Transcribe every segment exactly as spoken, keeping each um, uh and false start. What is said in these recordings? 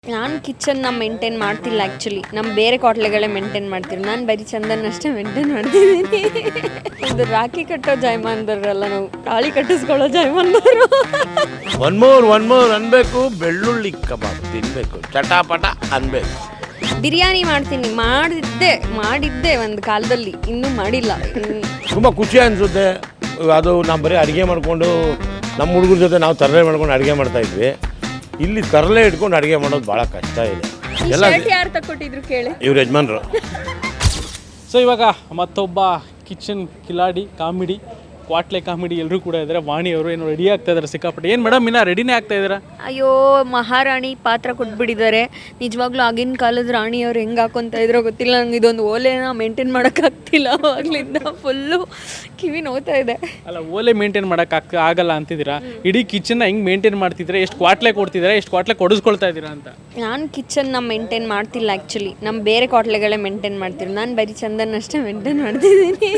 ನಾನು ಕಿಚನ್ನ ಮೇಂಟೈನ್ ಮಾಡ್ತಿಲ್ಲ ಆ್ಯಕ್ಚುಲಿ. ನಮ್ಮ ಬೇರೆ ಕ್ವಾಟ್ಲೆಗಳೇ ಮೇಂಟೈನ್ ಮಾಡ್ತೀವಿ. ನಾನು ಬರೀ ಚಂದನ್ ಅಷ್ಟೇ ಮೇಂಟೈನ್ ಮಾಡ್ತಿದ್ದೀನಿ. ಇದು ರಾಖಿ ಕಟ್ಟೋ ಜಾಯಮಾನ್ದವ್ರಲ್ಲ, ನಾವು ತಾಳಿ ಕಟ್ಟಿಸ್ಕೊಳ್ಳೋ ಜಾಯಮಾನ್ದವರು. ಒನ್ ಮೋರ್ ಒನ್ ಮೋರ್ ಅನ್ಬೇಕು. ಬೆಳ್ಳುಳ್ಳಿ ಕಬಾಬ್ ತಿನ್ಬೇಕು, ಚಟಾಪಟ ಅನ್ಬೇಕು. ಬಿರಿಯಾನಿ ಮಾಡ್ತೀನಿ, ಮಾಡಿದ್ದೆ ಮಾಡಿದ್ದೆ ಒಂದು ಕಾಲದಲ್ಲಿ, ಇನ್ನೂ ಮಾಡಿಲ್ಲ. ತುಂಬ ಖುಷಿ ಅನಿಸುತ್ತೆ. ಅದು ನಾವು ಬರೀ ಅಡುಗೆ ಮಾಡಿಕೊಂಡು ನಮ್ಮ ಹುಡುಗರ ಜೊತೆ ನಾವು ತರಲೆ ಮಾಡ್ಕೊಂಡು ಅಡುಗೆ ಮಾಡ್ತಾಯಿದ್ವಿ. ಇಲ್ಲಿ ತರಲೆ ಇಟ್ಕೊಂಡು ಅಡುಗೆ ಮಾಡೋದು ಭಾಳ ಕಷ್ಟ ಇದೆ. ಎಲ್ಲ ಯಾರು ತಕ್ಕೊಟ್ಟಿದ್ರು ಕೇಳಿ, ಇವ್ರ ಯಜಮಾನ್ರು. ಸೊ ಇವಾಗ ಮತ್ತೊಬ್ಬ ಕಿಚನ್ ಕಿಲಾಡಿ ಕಾಮಿಡಿ ಕ್ವಾಟ್ಲೆ ಕಾಮಿಡಿ ಎಲ್ಲರೂ ಕೂಡ ಇದ್ದಾರೆ. ವಾಣಿ ಅವರು ಏನೋ ರೆಡಿ ಆಗ್ತಾ ಇದ್ದಾರೆ ಸಿಕ್ಕಾಪಟ್ಟೆ. ಏನು ಮೇಡಮ್ ಇನ್ನ ರೆಡಿನೇ ಆಗ್ತಾ ಇದ್ದೀರಾ? ಅಯ್ಯೋ ಮಹಾರಾಣಿ ಪಾತ್ರ ಕೊಟ್ಬಿಟ್ಟಿದ್ದಾರೆ. ನಿಜವಾಗ್ಲೂ ಆಗಿನ ಕಾಲದ ರಾಣಿಯವ್ರು ಹೆಂಗೆ ಹಾಕೊತ ಇದ್ರೋ ಗೊತ್ತಿಲ್ಲ ನಂಗೆ. ಇದೊಂದು ಓಲೆನ ಮೇಂಟೈನ್ ಮಾಡೋಕ್ಕಾಗ್ತಿಲ್ಲ, ಅವಾಗಲಿಂದ ಫುಲ್ಲು ಕಿವಿ ನೋವ್ತಾ ಇದೆ. ಅಲ್ಲ, ಓಲೆ ಮೇಂಟೈನ್ ಮಾಡೋಕೆ ಆಗಲ್ಲ ಅಂತಿದ್ದೀರಾ. ಇಡೀ ಕಿಚನ್ನ ಹೆಂಗೆ ಮೇಂಟೈನ್ ಮಾಡ್ತಿದ್ದೀರಾ? ಎಷ್ಟು ಕ್ವಾಟ್ಲೆ ಕೊಡ್ತಿದ್ದೀರಾ? ಎಷ್ಟು ಕ್ವಾಟ್ಲೆ ಕೊಡಿಸ್ಕೊಳ್ತಾ ಇದ್ದೀರಾ ಅಂತ? ನಾನು ಕಿಚನ್ನ ಮೇಂಟೈನ್ ಮಾಡ್ತಿಲ್ಲ ಆ್ಯಕ್ಚುಲಿ. ನಮ್ಮ ಬೇರೆ ಕ್ವಾಟ್ಲೆಗಳೇ ಮೇಂಟೈನ್ ಮಾಡ್ತೀವಿ. ನಾನು ಬರೀ ಚಂದನ್ ಅಷ್ಟೇ ಮೇಂಟೈನ್ ಮಾಡ್ತಿದ್ದೀನಿ.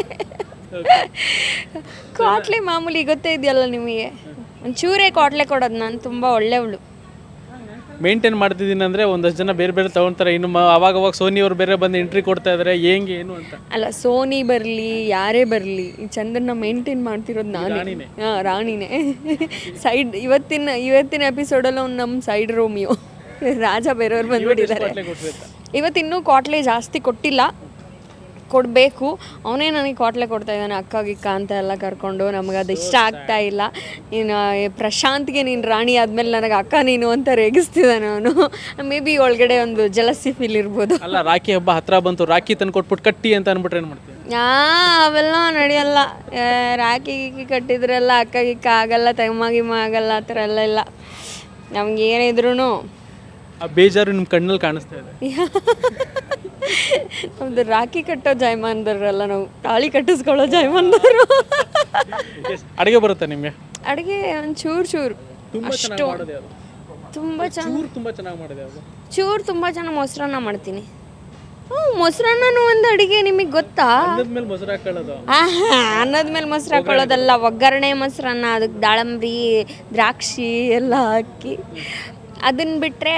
ಕ್ವಾಟ್ಲೆ ಮಾಮೂಲಿ ಗೊತ್ತೇ ಇದೆಯಲ್ಲ ನಿಮಗೆ. ಒಂಚೂರೇ ಕ್ವಾಟ್ಲೆ ಕೊಡೋದು. ನಾನು ತುಂಬ ಒಳ್ಳೆಯವಳು. ಮೇಂಟೈನ್ ಮಾಡ್ತಿದ್ದೀನಿ ಅಂದರೆ ಒಂದಷ್ಟು ಜನ ಬೇರೆ ಬೇರೆ ತೊಗೊಳ್ತಾರೆ. ಇನ್ನು ಅವಾಗ ಅವಾಗ ಸೋನಿ ಅವರು ಬೇರೆ ಬಂದು ಎಂಟ್ರಿ ಕೊಡ್ತಾ ಇದ್ದಾರೆ, ಹೆಂಗೆ ಏನು ಅಂತ. ಅಲ್ಲ, ಸೋನಿ ಬರಲಿ ಯಾರೇ ಬರಲಿ, ಈ ಚಂದನ್ನ ಮೇಂಟೈನ್ ಮಾಡ್ತಿರೋದು ನಾನು. ಹಾಂ, ರಾಣಿನೇ. ಸೈಡ್ ಇವತ್ತಿನ ಇವತ್ತಿನ ಎಪಿಸೋಡಲ್ಲಿ ಅವ್ನು ನಮ್ಮ ಸೈಡ್ ರೋಮಿಯೋ ರಾಜ ಬೇರೆಯವ್ರು ಬಂದ್ಬಿಟ್ಟಿದ್ದಾರೆ. ಇವತ್ತಿನ್ನೂ ಕ್ವಾಟ್ಲೆ ಜಾಸ್ತಿ ಕೊಟ್ಟಿಲ್ಲ, ಕೊಡಬೇಕು. ಅವನೇ ನನಗೆ ಕ್ವಾಟ್ಲೆ ಕೊಡ್ತಾ ಇದ್ದಾನೆ, ಅಕ್ಕ ಗಿಕ್ಕ ಅಂತ ಎಲ್ಲ ಕರ್ಕೊಂಡು. ನಮಗೆ ಅದು ಇಷ್ಟ ಆಗ್ತಾ ಇಲ್ಲ. ಇನ್ನು ಪ್ರಶಾಂತ್ಗೆ ನೀನು ರಾಣಿ ಆದಮೇಲೆ ನನಗೆ ಅಕ್ಕ ನೀನು ಅಂತ ರೇಗಿಸ್ತಿದ್ದಾನೆ ಅವನು. ಮೇ ಬಿ ಒಳಗಡೆ ಒಂದು ಜಲಸಿ ಫೀಲ್ ಇರ್ಬೋದು. ಅಲ್ಲ, ರಾಖಿ ಹಬ್ಬ ಹತ್ರ ಬಂತು, ರಾಖಿ ತಂದು ಕೊಟ್ಬಿಟ್ಟು ಕಟ್ಟಿ ಅಂತ ಅಂದ್ಬಿಟ್ರೆ ಏನು ಮಾಡ್ತೀವಿ? ಯಾ ಅವೆಲ್ಲ ನಡೆಯಲ್ಲ. ರಾಖಿ ಗಿಕ್ಕಿ ಕಟ್ಟಿದ್ರೆಲ್ಲ ಅಕ್ಕ ಗಿಕ್ಕ ಆಗಲ್ಲ, ತಮ್ಮ ಗಿಮ್ಮ ಆಗಲ್ಲ, ಆ ಥರ ಎಲ್ಲ ಇಲ್ಲ. ನಮ್ಗೆ ಏನಿದ್ರು ಆ ಬೇಜಾರು ನಿಮ್ಮ ಕಣ್ಣಲ್ಲಿ ಕಾಣಿಸ್ತಾ ಇದೆ. ನಮ್ದು ರಾಖಿ ಕಟ್ಟೋ ಜಾಯಮಾನ್ದವ್ರಲ್ಲ, ನಾವು ತಾಳಿ ಕಟ್ಟಿಸ್ಕೊಳ್ಳೋ ಜಾಯಮಾನ್ದವರು. ಅಡುಗೆ ಬರುತ್ತೆ ನಿಮಗೆ? ಅಡುಗೆ ಒಂದು ಚೂರು ಚೂರು ಅಷ್ಟು. ತುಂಬ ಚೆನ್ನಾಗಿ ತುಂಬ ಚೆನ್ನಾಗಿ ಮಾಡಿದೆ ಅದು. ಚೂರು ತುಂಬ ಚೆನ್ನಾಗಿ ಮೊಸರನ್ನ ಮಾಡ್ತೀನಿ. ಹ್ಞೂ, ಮೊಸರನ್ನನೂ ಒಂದು ಅಡುಗೆ. ನಿಮಗೆ ಗೊತ್ತಾ? ಮೇಲೆ ಮೊಸರು ಹಾಕೊಳ್ಳೋದು. ಹಾಂ ಹಾಂ ಅನ್ನದ ಮೇಲೆ ಮೊಸರು ಹಾಕೊಳ್ಳೋದಲ್ಲ, ಒಗ್ಗರಣೆ ಮೊಸರನ್ನ. ಅದಕ್ಕೆ ದಾಳಂಬ್ರಿ ದ್ರಾಕ್ಷಿ ಎಲ್ಲ ಹಾಕಿ. ಅದನ್ನು ಬಿಟ್ಟರೆ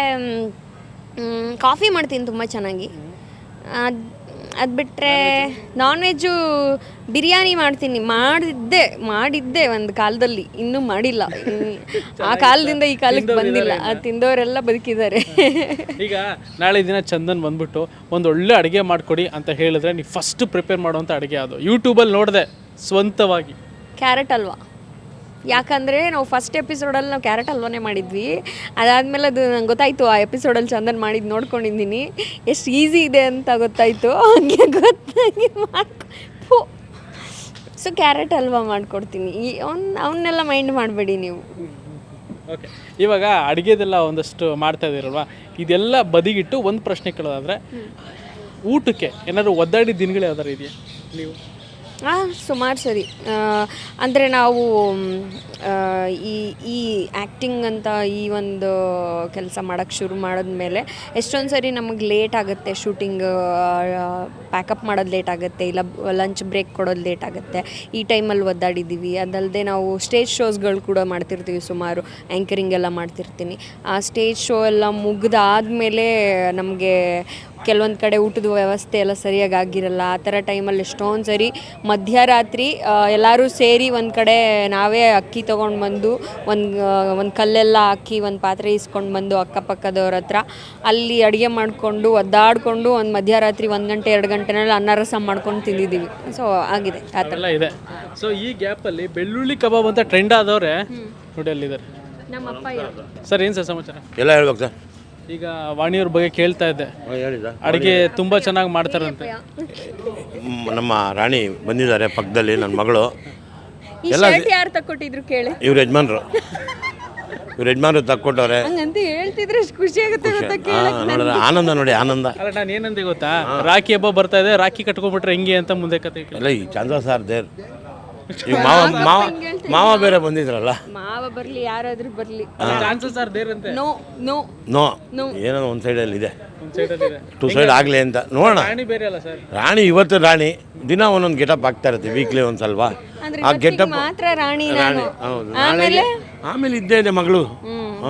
ಕಾಫಿ ಮಾಡ್ತೀನಿ ತುಂಬ ಚೆನ್ನಾಗಿ. ಅದು ಅದು ಬಿಟ್ಟರೆ ನಾನ್ ವೆಜ್ಜು ಬಿರಿಯಾನಿ ಮಾಡ್ತೀನಿ. ಮಾಡಿದ್ದೆ ಮಾಡಿದ್ದೆ ಒಂದು ಕಾಲದಲ್ಲಿ, ಇನ್ನೂ ಮಾಡಿಲ್ಲ. ಆ ಕಾಲದಿಂದ ಈ ಕಾಲಕ್ಕೆ ಬಂದಿಲ್ಲ. ಅದು ತಿಂದವರೆಲ್ಲ ಬದುಕಿದ್ದಾರೆ. ಈಗ ನಾಳೆ ದಿನ ಚಂದನ್ ಬಂದ್ಬಿಟ್ಟು ಒಂದು ಒಳ್ಳೆ ಅಡುಗೆ ಮಾಡಿಕೊಡಿ ಅಂತ ಹೇಳಿದ್ರೆ ನೀವು ಫಸ್ಟ್ ಪ್ರಿಪೇರ್ ಮಾಡುವಂಥ ಅಡುಗೆ ಅದು? ಯೂಟ್ಯೂಬಲ್ಲಿ ನೋಡಿದೆ ಸ್ವಂತವಾಗಿ. ಕ್ಯಾರೆಟ್ ಹಲ್ವಾ. ಯಾಕಂದರೆ ನಾವು ಫಸ್ಟ್ ಎಪಿಸೋಡಲ್ಲಿ ನಾವು ಕ್ಯಾರೆಟ್ ಹಲ್ವಾನೇ ಮಾಡಿದ್ವಿ. ಅದಾದಮೇಲೆ ಅದು ನಂಗೆ ಗೊತ್ತಾಯಿತು, ಆ ಎಪಿಸೋಡಲ್ಲಿ ಚಂದನ್ ಮಾಡಿದ್ದು ನೋಡ್ಕೊಂಡಿದ್ದೀನಿ, ಎಷ್ಟು ಈಸಿ ಇದೆ ಅಂತ ಗೊತ್ತಾಯಿತು. ಹಂಗೆ ಗೊತ್ತಾಗಿ ಮಾಡ್ಕೊ ಸೊ ಕ್ಯಾರೆಟ್ ಹಲ್ವಾ ಮಾಡಿಕೊಡ್ತೀನಿ. ಈ ಅವ್ನು ಅವನ್ನೆಲ್ಲ ಮೈಂಡ್ ಮಾಡಬೇಡಿ ನೀವು. ಓಕೆ, ಇವಾಗ ಅಡುಗೆದೆಲ್ಲ ಒಂದಷ್ಟು ಮಾಡ್ತಾ ಇದ್ದೀರಲ್ವ, ಇದೆಲ್ಲ ಬದಿಗಿಟ್ಟು ಒಂದು ಪ್ರಶ್ನೆ ಕೇಳೋದಾದರೆ, ಊಟಕ್ಕೆ ಏನಾದರೂ ಒದ್ದಾಡಿ ದಿನಗಳು ಯಾವ್ದಾರು ಇದೆಯಾ ನೀವು? ಹಾಂ, ಸುಮಾರು ಸರಿ. ಅಂದರೆ ನಾವು ಈ ಈ ಆ್ಯಕ್ಟಿಂಗ್ ಅಂತ ಈ ಒಂದು ಕೆಲಸ ಮಾಡೋಕ್ಕೆ ಶುರು ಮಾಡಿದ್ಮೇಲೆ ಎಷ್ಟೊಂದು ಸರಿ ನಮಗೆ ಲೇಟ್ ಆಗುತ್ತೆ. ಶೂಟಿಂಗ್ ಪ್ಯಾಕಪ್ ಮಾಡೋದು ಲೇಟ್ ಆಗುತ್ತೆ, ಇಲ್ಲ ಲಂಚ್ ಬ್ರೇಕ್ ಕೊಡೋದು ಲೇಟ್ ಆಗುತ್ತೆ. ಈ ಟೈಮಲ್ಲಿ ಒದ್ದಾಡಿದ್ದೀವಿ. ಅದಲ್ಲದೆ ನಾವು ಸ್ಟೇಜ್ ಶೋಸ್ಗಳು ಕೂಡ ಮಾಡ್ತಿರ್ತೀವಿ ಸುಮಾರು. ಆ್ಯಂಕರಿಂಗ್ ಎಲ್ಲ ಮಾಡ್ತಿರ್ತೀನಿ. ಆ ಸ್ಟೇಜ್ ಶೋ ಎಲ್ಲ ಮುಗಿದಾದ್ಮೇಲೆ ನಮಗೆ ಕೆಲವೊಂದು ಕಡೆ ಊಟದ ವ್ಯವಸ್ಥೆ ಎಲ್ಲ ಸರಿಯಾಗಿ ಆಗಿರಲ್ಲ. ಆ ಥರ ಟೈಮಲ್ಲಿ ಎಷ್ಟೊಂದು ಸರಿ ಮಧ್ಯರಾತ್ರಿ ಎಲ್ಲರೂ ಸೇರಿ ಒಂದು ಕಡೆ ನಾವೇ ಅಕ್ಕಿ ತೊಗೊಂಡು ಬಂದು ಒಂದು ಒಂದು ಕಲ್ಲೆಲ್ಲ ಹಾಕಿ ಒಂದು ಪಾತ್ರೆ ಇಸ್ಕೊಂಡು ಬಂದು ಅಕ್ಕಪಕ್ಕದವ್ರ ಹತ್ರ ಅಲ್ಲಿ ಅಡುಗೆ ಮಾಡಿಕೊಂಡು ಒದ್ದಾಡಿಕೊಂಡು ಒಂದು ಮಧ್ಯರಾತ್ರಿ ಒಂದು ಗಂಟೆ ಎರಡು ಗಂಟೆನಲ್ಲಿ ಅನ್ನ ರಸ ಮಾಡ್ಕೊಂಡು ತಿಂದಿದ್ದೀವಿ. ಸೊ ಆಗಿದೆ ಆ ಥರ ಇದೆ. ಸೊ ಈ ಗ್ಯಾಪಲ್ಲಿ ಬೆಳ್ಳುಳ್ಳಿ ಕಬಾಬ್ ಅಂತ ಟ್ರೆಂಡ್ ಆದವ್ರೆ ನೋಡಿ ಅಲ್ಲಿದ್ದಾರೆ ನಮ್ಮಪ್ಪ. ಸರ್, ಏನು ಸರ್ ಸಮಾಚಾರ? ಎಲ್ಲ ಹೇಳ್ಬೇಕು ಸರ್. ಈಗ ವಾಣಿಯವ್ರ ಬಗ್ಗೆ ಕೇಳ್ತಾ ಇದ್ದೆ, ಹೇಳಿದ ಅಡುಗೆ ತುಂಬ ಚೆನ್ನಾಗಿ ಮಾಡ್ತಾರಂತೆ. ನಮ್ಮ ರಾಣಿ ಬಂದಿದ್ದಾರೆ ಪಕ್ಕದಲ್ಲಿ, ನನ್ನ ಮಗಳು. ಎಲ್ಲ ಯಾರು ತಕ್ಕೊಟ್ಟಿದ್ರು ಕೇಳಿ, ಇವ್ರ ಯಜಮಾನ್ರು. ಇವ್ರ ಯಜಮಾನ್ರು ತಕ್ಕೊಟ್ಟವ್ರೆ. ಹಂಗಂತ ಹೇಳ್ತಿದ್ರೆ ಎಷ್ಟು ಖುಷಿ ಆಗುತ್ತೆ ಗೊತ್ತಾ ಕೇಳಕ್ಕೆ. ನೋಡಿದ್ರೆ ಆನಂದ ನೋಡಿ, ಆನಂದ. ಅಲ್ಲ, ನಾನು ಏನಂತ ಗೊತ್ತಾ, ರಾಖಿ ಹಬ್ಬ ಬರ್ತಾ ಇದೆ, ರಾಖಿ ಕಟ್ಕೊಂಡ್ಬಿಟ್ರೆ ಹೆಂಗೆ ಅಂತ ಮುಂದೆ ಕತೆ. ಇಲ್ಲ, ಈ ಚಂದ್ರ ಸಾರ್ ದೇರ್ ಈಗ ಮಾವ ಮಾವ ಮಾವ ಬೇರೆ ಬಂದಿದ್ರಲ್ಲ. ಮಾವ ಬರಲಿ, ಯಾರಾದ್ರೂ ಬರಲಿ, ಚಾನ್ಸಸ್ ಆರ್ ದೇರ್ ಅಂತೆ. ನೋ ನೋ ನೋ ಏನೋ ಒಂದು ಸೈಡಲ್ಲಿ ಇದೆ, ಒಂದು ಸೈಡಲ್ಲಿ ಇದೆ, ಟೂ ಸೈಡ್ ಆಗಲಿ ಅಂತ ನೋಡೋಣ. ರಾಣಿ ಬೇರೆ ಅಲ್ಲ ಸರ್. ರಾಣಿ ಇವತ್ತು ರಾಣಿ ದಿನ ಒಂದೊಂದು ಗೆಟಪ್ ಆಗ್ತಾ ಇರುತ್ತೆ, ವೀಕ್ಲಿ ಒಂದು ಸ್ವಲ್ಪ. ಆ ಗೆಟಪ್ ಮಾತ್ರ ರಾಣಿ ರಾಣಿ. ಹೌದು, ಆಮೇಲೆ ಆಮೇಲೆ ಇದ್ದೇ ಇದೆ ಮಗಳು. ಹಾಂ,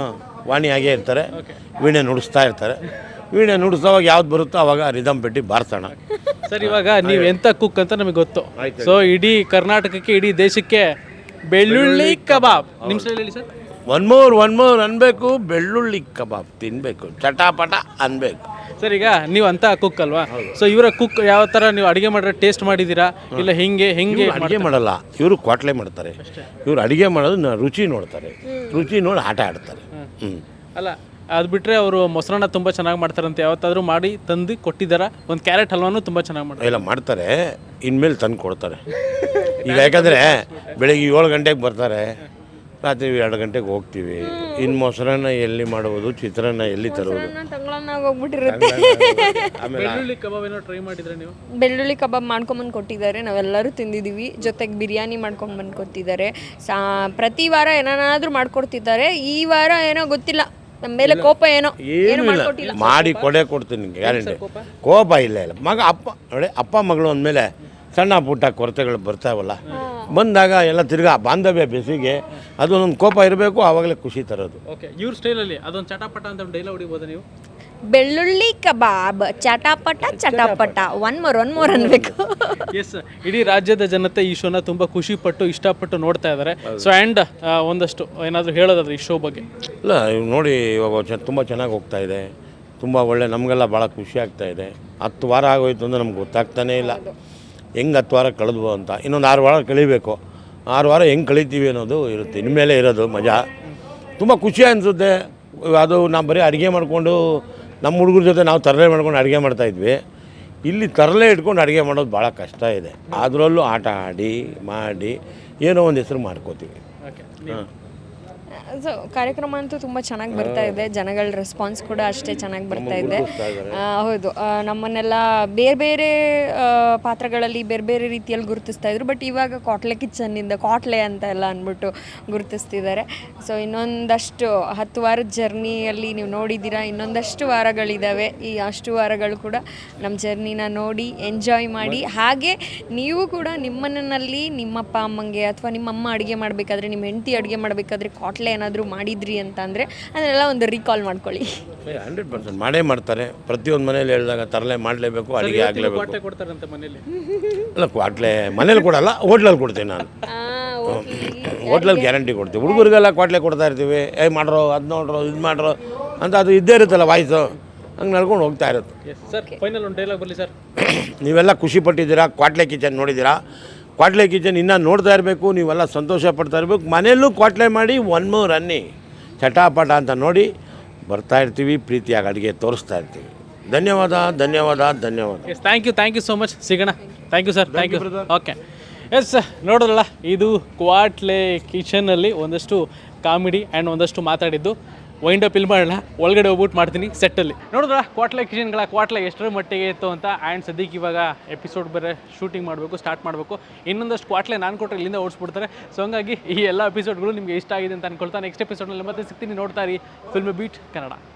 ವಾಣಿಯಾಗೇ ಇರ್ತಾರೆ, ವೀಣೆ ನುಡಿಸ್ತಾ ಇರ್ತಾರೆ. ವೀಣೆ ನುಡಿಸೋವಾಗ ಯಾವ್ದು ಬರುತ್ತೋ ಅವಾಗ ರಿದಮ್ ಪೆಟ್ಟಿ ಬಾರಿಸೋಣ. ಸರ್ ಇವಾಗ ನೀವು ಎಂಥ ಕುಕ್ ಅಂತ ನಮಗೆ ಗೊತ್ತು. ಸೊ ಇಡೀ ಕರ್ನಾಟಕಕ್ಕೆ ಇಡೀ ದೇಶಕ್ಕೆ ಬೆಳ್ಳುಳ್ಳಿ ಕಬಾಬ್ ನಿಮ್ಮ ಸ್ಟೈಲ್ ಹೇಳಿ sir. One more one more ಅನ್ಬೇಕು, ಬೆಳ್ಳುಳ್ಳಿ ಕಬಾಬ್ ತಿನ್ನಬೇಕು, ಚಟಾಪಟ ಅನ್ಬೇಕು. ಸರ್ ಈಗ ನೀವು ಅಂತ ಕುಕ್ ಅಲ್ವಾ, ಸೊ ಇವರ ಕುಕ್ ಯಾವ ಥರ ನೀವು ಅಡುಗೆ ಮಾಡಿದ್ರೆ ಟೇಸ್ಟ್ ಮಾಡಿದ್ದೀರಾ ಇಲ್ಲ ಹಿಂಗೆ ಹೆಂಗೆ ಅಡುಗೆ ಮಾಡಲ್ಲ, ಇವರು ಕ್ವಾಟ್ಲೆ ಮಾಡ್ತಾರೆ. ಇವರು ಅಡುಗೆ ಮಾಡೋದು ನ- ರುಚಿ ನೋಡ್ತಾರೆ, ರುಚಿ ನೋಡಿ ಆಟ ಆಡ್ತಾರೆ. ಹ್ಞೂ ಅಲ್ಲ ಅದು ಬಿಟ್ಟರೆ ಅವರು ಮೊಸರನ್ನ ತುಂಬ ಚೆನ್ನಾಗಿ ಮಾಡ್ತಾರಂತೆ, ಯಾವತ್ತಾದರೂ ಮಾಡಿ ತಂದು ಕೊಟ್ಟಿದ್ದಾರಾ? ಒಂದು ಕ್ಯಾರೆಟ್ ಹಲ್ವಾನು ತುಂಬ ಚೆನ್ನಾಗಿ ಮಾಡ್ತಾರೆ. ಎಲ್ಲ ಮಾಡ್ತಾರೆ, ಇನ್ಮೇಲೆ ತಂದು ಕೊಡ್ತಾರೆ. ಈಗ ಯಾಕಂದರೆ ಬೆಳಿಗ್ಗೆ ಏಳು ಗಂಟೆಗೆ ಬರ್ತಾರೆ, ರಾತ್ರಿ ಎರಡು ಗಂಟೆಗೆ ಹೋಗ್ತೀವಿ. ಇನ್ನು ಮೊಸರನ್ನ ಎಲ್ಲಿ ಮಾಡುವುದು, ಚಿತ್ರಾನ್ನ ಎಲ್ಲಿ ತರುವುದು. ತಂಗಳನ್ನಾಗ ಹೋಗ್ಬಿಟ್ಟಿರುತ್ತೆ. ಆಮೇಲೆ ಬೆಳ್ಳುಳ್ಳಿ ಕಬಾಬ್ ಏನೋ ಟ್ರೈ ಮಾಡಿದ್ರೆ ನೀವು? ಬೆಳ್ಳುಳ್ಳಿ ಕಬಾಬ್ ಮಾಡ್ಕೊಂಬಂದು ಕೊಟ್ಟಿದ್ದಾರೆ, ನಾವೆಲ್ಲರೂ ತಿಂದಿದ್ದೀವಿ. ಜೊತೆಗೆ ಬಿರಿಯಾನಿ ಮಾಡ್ಕೊಂಡು ಬಂದು ಕೊಟ್ಟಿದ್ದಾರೆ. ಸಾ ಪ್ರತಿ ವಾರ ಏನಾದರೂ ಮಾಡ್ಕೊಡ್ತಿದ್ದಾರೆ. ಈ ವಾರ ಏನೋ ಗೊತ್ತಿಲ್ಲ, ನಮ್ಮ ಮೇಲೆ ಕೋಪ ಏನೋ ಏನು ಏನೂ ಇಲ್ಲ, ಮಾಡ್ಕೊಟ್ಟಿಲ್ಲ. ಮಾಡಿ ಕೊಡೇ ಕೊಡ್ತೀನಿ ನಿಮಗೆ ಗ್ಯಾರಂಟಿ. ಕೋಪ ಇಲ್ಲ ಇಲ್ಲ ಮಗ ಅಪ್ಪ ನೋಡಿ, ಅಪ್ಪ ಮಗಳು ಅಂದಮೇಲೆ ಸಣ್ಣ ಪುಟ್ಟ ಕೊರತೆಗಳು ಬರ್ತಾವಲ್ಲ, ಬಂದಾಗ ಎಲ್ಲ ತಿರ್ಗಾ ಬಾಂಧವ್ಯ ಬೆಸಿಗೆ ಅದೊಂದೊಂದು ಕೋಪ ಇರಬೇಕು, ಆವಾಗಲೇ ಖುಷಿ ತರೋದು. ಓಕೆ, ಇವ್ರ ಸ್ಟೈಲಲ್ಲಿ ಅದೊಂದು ಚಟಾಪಟ ಅಂತ ಒಂದು ಡೈಲಾಗ್ ಹೊಡಿಬೋದಾ ನೀವು? ಬೆಳ್ಳುಳ್ಳಿ ಕಬಾಬ್ ಚಟಾಪಟ ಚಟಾಪಟ ಒನ್ ಮೋರ್ ಒನ್ ಮೋರ್ ಅನ್ಬೇಕು. ಎಸ್, ಇಡೀ ರಾಜ್ಯದ ಜನತೆ ಈ ಶೋನ ತುಂಬ ಖುಷಿಪಟ್ಟು ಇಷ್ಟಪಟ್ಟು ನೋಡ್ತಾ ಇದ್ದಾರೆ. ಸೊ ಆ್ಯಂಡ್ ಒಂದಷ್ಟು ಏನಾದರೂ ಹೇಳೋದಾದ್ರೆ ಈ ಶೋ ಬಗ್ಗೆ? ಇಲ್ಲ ಇವ್ ನೋಡಿ, ಇವಾಗ ಚ ತುಂಬ ಚೆನ್ನಾಗಿ ಹೋಗ್ತಾ ಇದೆ, ತುಂಬ ಒಳ್ಳೆ, ನಮಗೆಲ್ಲ ಭಾಳ ಖುಷಿ ಆಗ್ತಾ ಇದೆ. ಹತ್ತು ವಾರ ಆಗೋಯ್ತು ಅಂದರೆ ನಮ್ಗೆ ಗೊತ್ತಾಗ್ತಾನೇ ಇಲ್ಲ ಹೆಂಗೆ ಹತ್ತು ವಾರ ಕಳೆದ್ವು ಅಂತ. ಇನ್ನೊಂದು ಆರು ವಾರ ಕಳಿಬೇಕು, ಆರು ವಾರ ಹೆಂಗೆ ಕಳಿತೀವಿ ಅನ್ನೋದು ಇರುತ್ತೆ. ಇನ್ಮೇಲೆ ಇರೋದು ಮಜಾ, ತುಂಬ ಖುಷಿ ಅನಿಸುತ್ತೆ. ಅದು ನಾವು ಬರೀ ಅಡುಗೆ ಮಾಡಿಕೊಂಡು ನಮ್ಮ ಹುಡುಗರ ಜೊತೆ ನಾವು ತರಲೆ ಮಾಡ್ಕೊಂಡು ಅಡುಗೆ ಮಾಡ್ತಾಯಿದ್ವಿ. ಇಲ್ಲಿ ತರಲೆ ಇಟ್ಕೊಂಡು ಅಡುಗೆ ಮಾಡೋದು ಭಾಳ ಕಷ್ಟ ಇದೆ. ಅದರಲ್ಲೂ ಆಟ ಆಡಿ ಮಾಡಿ ಏನೋ ಒಂದು ಹೆಸರು ಮಾಡ್ಕೋತೀವಿ. ಓಕೆ, ಹಾಂ, ಸೊ ಕಾರ್ಯಕ್ರಮ ಅಂತೂ ತುಂಬ ಚೆನ್ನಾಗಿ ಬರ್ತಾ ಇದೆ, ಜನಗಳ ರೆಸ್ಪಾನ್ಸ್ ಕೂಡ ಅಷ್ಟೇ ಚೆನ್ನಾಗಿ ಬರ್ತಾ ಇದೆ. ಆ, ಹೌದು, ಆ, ನಮ್ಮನ್ನೆಲ್ಲ ಬೇರೆ ಬೇರೆ ಆ, ಪಾತ್ರಗಳಲ್ಲಿ ಬೇರೆ ಬೇರೆ ರೀತಿಯಲ್ಲಿ ಗುರುತಿಸ್ತಾ ಇದ್ರು. ಬಟ್ ಇವಾಗ ಕ್ವಾಟ್ಲೆ ಕಿಚನ್ನಿಂದ ಕ್ವಾಟ್ಲೆ ಅಂತ ಎಲ್ಲ ಅಂದ್ಬಿಟ್ಟು ಗುರುತಿಸ್ತಿದ್ದಾರೆ. ಸೊ ಇನ್ನೊಂದಷ್ಟು ಹತ್ತು ವಾರದ ಜರ್ನಿಯಲ್ಲಿ ನೀವು ನೋಡಿದ್ದೀರಾ, ಇನ್ನೊಂದಷ್ಟು ವಾರಗಳಿದ್ದಾವೆ. ಈ ಅಷ್ಟು ವಾರಗಳು ಕೂಡ ನಮ್ಮ ಜರ್ನಿನ ನೋಡಿ ಎಂಜಾಯ್ ಮಾಡಿ. ಹಾಗೆ ನೀವು ಕೂಡ ನಿಮ್ಮನಲ್ಲಿ ನಿಮ್ಮಪ್ಪ ಅಮ್ಮಂಗೆ ಅಥವಾ ನಿಮ್ಮಮ್ಮ ಅಡುಗೆ ಮಾಡಬೇಕಾದ್ರೆ, ನಿಮ್ಮ ಹೆಂಡತಿ ಅಡುಗೆ ಮಾಡಬೇಕಾದ್ರೆ ಕ್ವಾಟ್ಲೆ ಏನಾದರೂ ಮಾಡಿದ್ರಿ ಅಂತ ಅಂದರೆ ಅದನ್ನೆಲ್ಲ ಒಂದು ರೀಕಾಲ್ ಮಾಡ್ಕೊಳ್ಳಿ. ಹಂಡ್ರೆಡ್ ಪರ್ಸೆಂಟ್ ಮಾಡೇ ಮಾಡ್ತಾರೆ. ಪ್ರತಿಯೊಂದು ಮನೇಲಿ ಹೇಳಿದಾಗ ತರಲೆ ಮಾಡಲೇಬೇಕು, ಅಡುಗೆ ಆಗಲೇಬೇಕು. ಕ್ವಾಟ್ಲೆ ಕೊಡ್ತಾರಂತೆ ಮನೇಲಿ? ಅಲ್ಲ, ಕ್ವಾಟ್ಲೆ ಮನೇಲಿ ಕೊಡಲ್ಲ, ಹೋಟ್ಲಲ್ಲಿ ಕೊಡ್ತೀನಿ ನಾನು. ಹೋಟ್ಲಲ್ಲಿ ಗ್ಯಾರಂಟಿ ಕೊಡ್ತೀವಿ. ಹುಡುಗರಿಗೆಲ್ಲ ಕ್ವಾಟ್ಲೆ ಕೊಡ್ತಾ ಇರ್ತೀವಿ, ಏ ಮಾಡ್ರೋ, ಅದು ನೋಡ್ರೋ, ಇದು ಮಾಡ್ರೋ ಅಂತ. ಅದು ಇದ್ದೇ ಇರುತ್ತಲ್ಲ ವಾಯ್ಸು, ಹಂಗೆ ನಡ್ಕೊಂಡು ಹೋಗ್ತಾ ಇರುತ್ತೆ. ಎಸ್ ಸರ್, ಫೈನಲ್ ಒಂದು ಡೈಲಾಗ್ ಬರಲಿ ಸರ್. ನೀವೆಲ್ಲ ಖುಷಿ ಪಟ್ಟಿದ್ದೀರಾ, ಕ್ವಾಟ್ಲೆ ಕಿಚನ್ ನೋಡಿದ್ದೀರಾ. ಕ್ವಾಟ್ಲೆ ಕಿಚನ್ ಇನ್ನೂ ನೋಡ್ತಾ ಇರಬೇಕು, ನೀವೆಲ್ಲ ಸಂತೋಷ ಪಡ್ತಾ ಇರಬೇಕು. ಮನೆಯಲ್ಲೂ ಕ್ವಾಟ್ಲೆ ಮಾಡಿ ಒನ್ ಮೋರ್ ಅನ್ನಿ ಚಟಾಪಟ ಅಂತ ನೋಡಿ ಬರ್ತಾ ಇರ್ತೀವಿ. ಪ್ರೀತಿಯಾಗಿ ಅಡುಗೆ ತೋರಿಸ್ತಾ ಇರ್ತೀವಿ. ಧನ್ಯವಾದ ಧನ್ಯವಾದ ಧನ್ಯವಾದ. Yes, thank you thank you so much. ಸಿಗೋಣ. Thank you sir, thank you. Okay, yes ನೋಡೋದಲ್ಲ, ಇದು ಕ್ವಾಟ್ಲೆ ಕಿಚನಲ್ಲಿ ಒಂದಷ್ಟು ಕಾಮಿಡಿ ಆ್ಯಂಡ್ ಒಂದಷ್ಟು ಮಾತಾಡಿದ್ದು. ವೈಂಡ್ ಅಪ್ ಇಲ್ಲಿ ಮಾಡೋಣ, ಒಳಗಡೆ ಹೋಗ್ಬಿಟ್ಟು ಮಾಡ್ತೀನಿ ಸೆಟ್ಟಲ್ಲಿ. ನೋಡಿದ್ರ ಕ್ವಾಟ್ಲೆ ಕಿಚನ್ಗಳ ಕ್ವಾಟ್ಲೆ ಎಷ್ಟರ ಮಟ್ಟಿಗೆ ಇತ್ತು ಅಂತ. ಆ್ಯಂಡ್ ಸದ್ಯಕ್ಕೆ ಇವಾಗ ಎಪಿಸೋಡ್ ಬೇರೆ ಶೂಟಿಂಗ್ ಮಾಡಬೇಕು, ಸ್ಟಾರ್ಟ್ ಮಾಡಬೇಕು. ಇನ್ನೊಂದಷ್ಟು ಕ್ವಾಟ್ಲೆ ನಾನು ಕೊಟ್ಟರೆ ಇಲ್ಲಿಂದ ಓಡಿಸ್ಬಿಡ್ತಾರೆ. ಸೊ ಹಂಗಾಗಿ ಈ ಎಲ್ಲ ಎಪಿಸೋಡ್ಗಳು ನಿಮಗೆ ಇಷ್ಟ ಆಗಿದೆ ಅಂತ ಅನ್ಕೊಳ್ತಾ ನೆಕ್ಸ್ಟ್ ಎಪಿಸೋಡ್ನಲ್ಲಿ ಮತ್ತೆ ಸಿಗ್ತೀನಿ. ನೋಡ್ತಾ ಇರಿ ಫಿಲ್ಮ್ ಬೀಟ್ ಕನ್ನಡ.